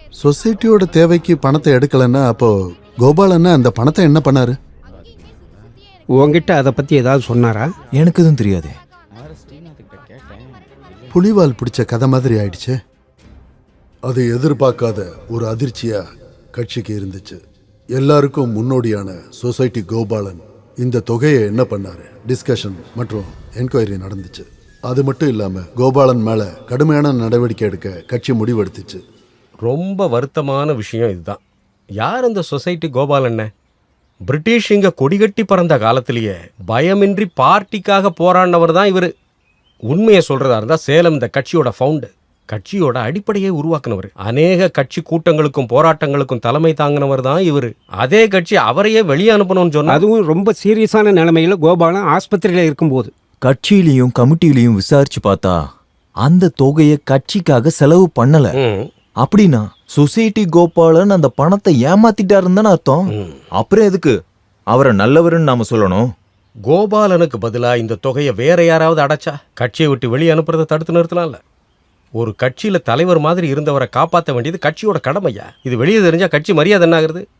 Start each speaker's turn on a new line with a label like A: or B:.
A: சொசைட்டியோட தேவைக்கு பணத்தை எடுக்கலன்னா அப்போ கோபாலன்னா அந்த பணத்தை என்ன பண்ணாரு?
B: உங்ககிட்ட அதை பற்றி ஏதாவது சொன்னாரா?
C: எனக்கு எதுவும் தெரியாதே.
A: புலிவால் பிடிச்ச கதை மாதிரி ஆயிடுச்சு. அது எதிர்பார்க்காத ஒரு அதிர்ச்சியா கட்சிக்கு இருந்துச்சு. எல்லாருக்கும் முன்னோடியான சொசைட்டி கோபாலன் இந்த தொகையை என்ன பண்ணாரு டிஸ்கஷன் மற்றும் என்கொயரி நடந்துச்சு. அது மட்டும் இல்லாம கோபாலன் மேல கடுமையான நடவடிக்கை எடுக்க கட்சி முடிவெடுத்துச்சு.
D: ரொம்ப வருத்தமான விஷயம் இதுதான். யார் அந்த சொசைட்டி கோபாலண்ண? பிரிட்டிஷ் இங்க கொடிகட்டி பறந்த காலத்திலேயே பயமின்றி பார்ட்டிக்காக போராடினவர் தான் இவர். உண்மையை சொல்றதா இருந்தா சேலம் இந்த கட்சியோட ஃபவுண்டர், கட்சியோட அடிப்படையை உருவாக்குனவர். அநேக கட்சி கூட்டங்களுக்கும் போராட்டங்களுக்கும் தலைமை தாங்கினவர் தான் இவர். அதே கட்சி அவரையே வெளியே அனுப்பணும்னு சொன்னா,
B: அதுவும் ரொம்ப சீரியஸான நிலைமையில கோபாலன் ஆஸ்பத்திரியில் இருக்கும்போது.
C: கட்சியிலையும் கமிட்டியிலையும் விசாரிச்சு பார்த்தா அந்த தொகையை கட்சிக்காக செலவு பண்ணல. அப்படின்னா சொசைட்டி கோபாலன் அந்த பணத்தை ஏமாத்திட்டாருன்னு தானே அர்த்தம். அப்புறம் எதுக்கு அவரை நல்லவருன்னு நாம சொல்லணும்?
D: கோபாலனுக்கு பதிலா இந்த தொகையை வேற யாராவது அடைச்சா கட்சியை விட்டு வெளியே அனுப்புறதை தடுத்து நிறுத்தலாம்ல. ஒரு கட்சியில தலைவர் மாதிரி இருந்தவரை காப்பாற்ற வேண்டியது கட்சியோட கடமையா? இது வெளியே தெரிஞ்சா கட்சி மரியாதை என்ன ஆகுறது?